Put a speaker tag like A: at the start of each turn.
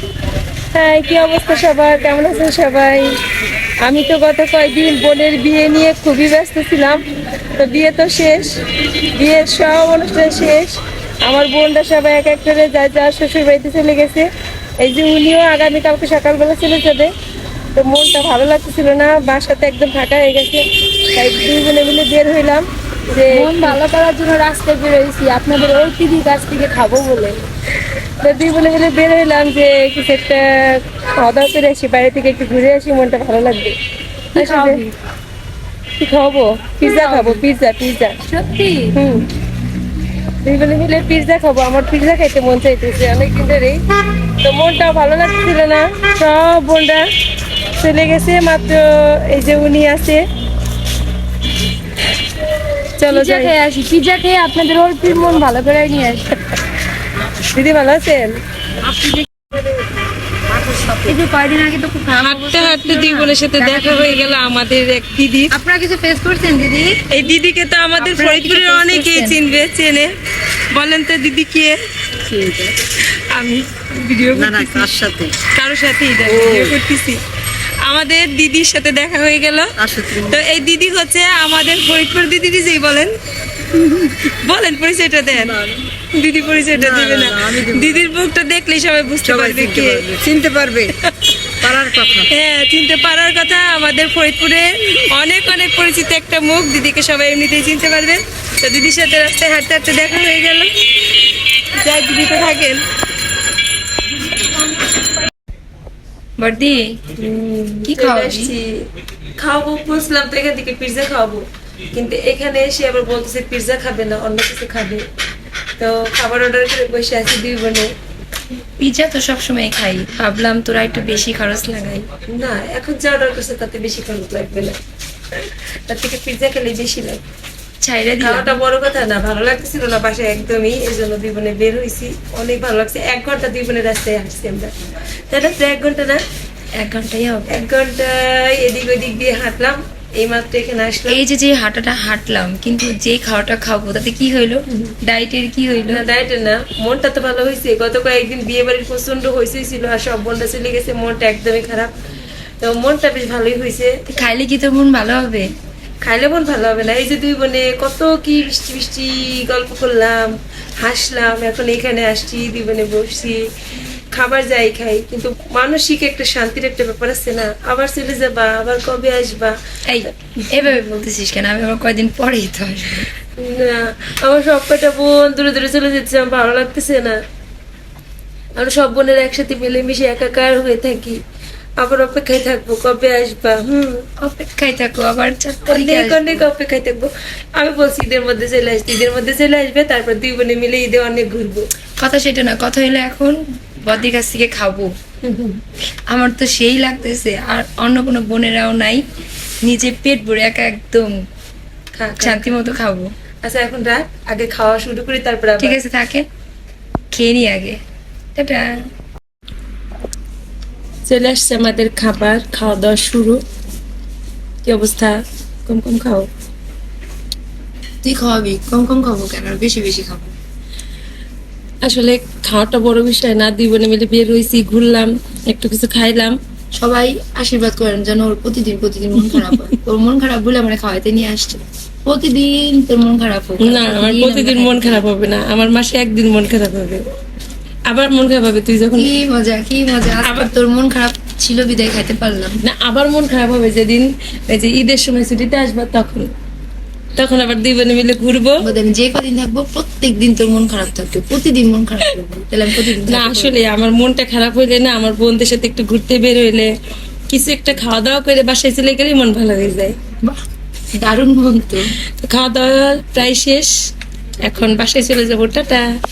A: হ্যাঁ, কি অবস্থা সবার? কেমন আছেন সবাই? আমি তো গত কয়েকদিন বোনের বিয়ে নিয়ে খুবই ব্যস্ত ছিলাম। তো বিয়ে তো শেষ, বিয়ের সব অনুষ্ঠান শেষ। আমার বোনরা সবাই এক এক করে যা যা শ্বশুর বাড়িতে চলে গেছে। এই যে উনিও আগামীকালকে সকালবেলা চলে যাবে। তো মনটা ভালো লাগতেছিল না, বাসাতে একদম ফাঁকা হয়ে গেছে। তাই দুই বোনে মিলে বের হইলাম যে
B: মন ভালো করার জন্য রাস্তায় বেরোয়েছি আপনাদের ওই দিদির কাছ থেকে খাবো বলে।
A: তো দুই বোনে মিলে বের হইলাম যে কিছু একটা খাওয়া দাওয়া করে আসি, বাইরে থেকে একটু ঘুরে আসি, মনটা ভালো লাগবে।
B: কি খাওয়াবি?
A: কি খাবো? পিৎজা খাবো, পিৎজা পিৎজা।
B: সত্যি?
A: হুম, দুই বোনে মিলে পিৎজা খাবো। আমার পিৎজা খাইতে মন চাইতেছে অনেকদিন ধরেই। তো মনটাও ভালো লাগছিল না, সব বোনরা চলে গেছে, মাত্র এই যে উনি আছে। চলো
B: পিজ্জা
A: যাই।
B: খেয়ে আসি, পিজ্জা খেয়ে আপনাদের অল্পের মন ভালো করে নিয়ে আসি।
A: দিদি ভালো আছেন?
B: এই যে কয়দিন আগে তো খুব খারাপ
A: হাঁটতে হাঁটতে দুই বোনের সাথে দেখা হয়ে গেল আমাদের এক দিদি।
B: আপনারা কিছু ফেস করছেন দিদি?
A: এই দিদিকে তো আমাদের
B: আপনারা কি
A: ফরিদপুরের
B: face
A: অনেকেই
B: করছেন?
A: চেনে। বলেন তো দিদি কে? আমি ভিডিও
C: না না কার সাথে
A: কারোর সাথে ভিডিও করতেছি। আমাদের দিদির সাথে দেখা হয়ে গেল।
C: কার সাথে
A: তো এই দিদি হচ্ছে আমাদের ফরিদপুর দিদি। দিদি বলেন, বলেন পরিচয়টা দেন। দিদি পরিচয়টা
C: না,
A: দেবে
C: না,
A: না?
C: না, আমি দেব না।
A: দিদির মুখটা দেখলেই সবাই বুঝতে
C: সবাই
A: পারবে
C: চিনতে
A: কে।
C: পারবে, চিনতে পারবে পারার কথা।
A: হ্যাঁ, চিনতে পারার কথা। আমাদের ফরিদপুরে অনেক অনেক পরিচিত একটা মুখ, দিদিকে সবাই এমনিতেই চিনতে পারবে। তো দিদির সাথে রাস্তায় হাঁটতে হাঁটতে দেখা হয়ে গেল। যাই, দিদি তো থাকেন।
B: বর্দি কি
A: চলে
B: খাওয়াবি?
A: আসছি। খাওয়াবো বলছিলাম তো এখান থেকে পিৎজা খাওয়াবো, কিন্তু এখানে এসে আবার বলতেছে পিৎজা খাবে না, অন্য কিছু খাবে। তো খাবার অর্ডার করে বসে আছি দুই বোনে।
B: পিজ্জা তো সবসময় খাই, ভাবলাম তোরা একটু বেশি খরচ লাগাই।
A: না, এখন যা অর্ডার করছে তাতে বেশি খরচ লাগবে না, তার থেকে পিৎজা খেলে বেশি লাগবে।
B: ছাইরা দিলাম।
A: খাওয়াটা বড় কথা না, ভালো লাগতেছিল না বাসায় একদমই, এই জন্য দুই বোনে বের হয়েছি। অনেক ভালো লাগছে। 1 ঘন্টা দুই বোনের রাস্তায় হাঁটছি আমরা, তাই না? তো 1 ঘন্টা না,
B: 1 ঘন্টাই হবে।
A: 1 ঘন্টায় এদিক ওদিক দিয়ে হাঁটলাম, এই মাত্র এখানে আসলাম।
B: এই যে যে হাঁটাটা হাঁটলাম, কিন্তু যে খাওয়াটা খাবো তাতে কি হইলো? ডায়েটের কি হইলো?
A: না, ডায়েটে না, মনটা তো ভালো হয়েছে। গত কয়েকদিন বিয়ে বাড়ির প্রচন্ড হয়েছিল, আর সব বোনটা চলে গেছে, মনটা একদমই খারাপ। তো মনটা বেশ ভালোই হয়েছে।
B: খাইলে কি তোর মন ভালো হবে?
A: খাইলে মন ভালো হবে না? এই যে দুই বোনে কত কি মিষ্টি মিষ্টি গল্প করলাম, হাসলাম, এখন এখানে আসছি, দুই বোনে বসছি, খাবার যাই খাই, কিন্তু মানসিক একটা শান্তির একটা ব্যাপার আছে না? আবার চলে যাবা, আবার কবে আসবা?
B: এই এভাবে বলতেছিস কেন? আমি আবার কয়দিন পরেই তো আসবো।
A: না, আমার সব কটা বোন দূরে দূরে চলে যাচ্ছে, আমার ভালো লাগতেছে না। আমরা সব বোনের একসাথে মিলেমিশে একাকার হয়ে থাকি, আবার অপেক্ষায় থাকবো কবে আসবা।
B: অপেক্ষায় থাকো, আবার 4 তারিখে
A: অনেক
B: আসবো।
A: অনেক অপেক্ষায় থাকবো। আমি বলছি ঈদের মধ্যে চলে আসতে, ঈদের মধ্যে চলে আসবে, তারপর দুই বোনে মিলে ঈদে অনেক ঘুরবো।
B: কথা সেটা না, কথা হইলো এখন বদির কাছ থেকে খাবো। আমার তো সেই লাগতেছে, আর অন্য কোনো বোনেরাও নাই, নিজে পেট ভরে একা একদম
A: খা, খা।
B: শান্তি মতো খাবো।
A: আচ্ছা এখন রাখ, আগে খাওয়া শুরু করি, তারপর আবার।
B: ঠিক আছে, থাকে খেয়ে নি আগে। টাটা।
A: চলে আসছে আমাদের খাবার, খাওয়া দাওয়া শুরু। কি অবস্থা? কম কম খাও।
B: তুই খাওয়াবি? কম কম খাবো কেন, আর বেশি বেশি খাবো।
A: আসলে খাওয়াটা বড় বিষয় না, দুই বোনে মিলে বের হয়েছি, ঘুরলাম, একটু কিছু খাইলাম।
B: সবাই আশীর্বাদ করেন যেন ওর প্রতিদিন প্রতিদিন মন খারাপ হয়। তোর মন খারাপ বলে আমরা খাওয়াইতে নিয়ে আসছি, প্রতিদিন তোর মন খারাপ হোক।
A: না, আমার প্রতিদিন মন খারাপ হবে না, আমার মাসে একদিন মন খারাপ হবে, আবার মন খারাপ হবে তুই যখন।
B: কি মজা, কি মজা। আবার তোর মন খারাপ ছিল বিদায় খাইতে পারলাম
A: না, আবার মন খারাপ হবে যেদিন এই যে ঈদের সময় ছুটিতে আসবা, তখন তখন আবার দুই বোনে মিলে ঘুরবো।
B: আমি যে কদিন থাকবো প্রত্যেকদিন তোর মন খারাপ থাকবে, প্রতিদিন মন খারাপ থাকবে, তাহলে আমি প্রতিদিন
A: না, আসলে আমার মনটা খারাপ হইলে না, আমার বোনদের সাথে একটু ঘুরতে বের হইলে, কিছু একটা খাওয়া দাওয়া করে বাসায় চলে গেলেই মন ভালো হয়ে যায়।
B: বাহ, দারুণ মন তো।
A: তো খাওয়া দাওয়া প্রায় শেষ, এখন বাসায় চলে যাবো। টাটা।